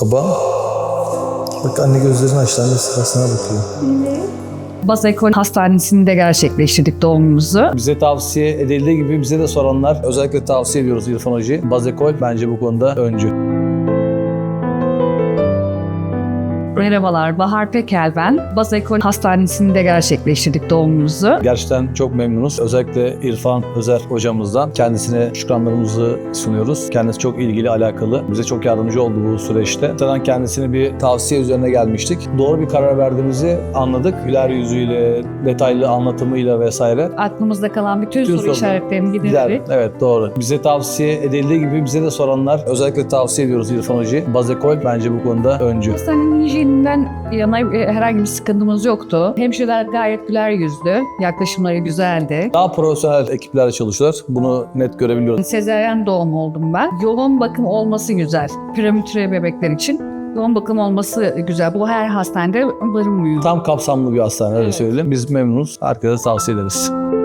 Baba. Bak anne gözlerini açtı. Anne sırasına bakıyor. Bazekol Hastanesi'nde gerçekleştirdik doğumumuzu. Bize tavsiye edildiği gibi bize de soranlar özellikle tavsiye ediyoruz İrfan Hoca'yı. Bazekol bence bu konuda öncü. Merhabalar, Bahar Pekel ben. Bazekol Hastanesi'nde gerçekleştirdik doğumumuzu. Gerçekten çok memnunuz. Özellikle İrfan Özer hocamızdan kendisine şükranlarımızı sunuyoruz. Kendisi çok ilgili, alakalı. Bize çok yardımcı oldu bu süreçte. Zaten kendisine bir tavsiye üzerine gelmiştik. Doğru bir karar verdiğimizi anladık. Güler yüzüyle, detaylı anlatımıyla vesaire. Aklımızda kalan bütün soru sorular işaretlerini Güzel. giderdik. Evet, doğru. Bize tavsiye edildiği gibi bize de soranlar özellikle tavsiye ediyoruz İrfan Hoca'yı. Bazekol bence bu konuda öncü. Hastanenin hijyeninden yana herhangi bir sıkıntımız yoktu. Hemşireler gayet güler yüzlü, yaklaşımları güzeldi. Daha profesyonel ekiplerle çalışıyorlar. Bunu net görebiliyoruz. Sezaryen doğum oldum ben. Yoğun bakım olması güzel. Prematüre bebekler için yoğun bakım olması güzel. Bu her hastanede barınmıyor. Tam kapsamlı bir hastane öyle söyleyeyim. Biz memnunuz. Herkese tavsiye ederiz.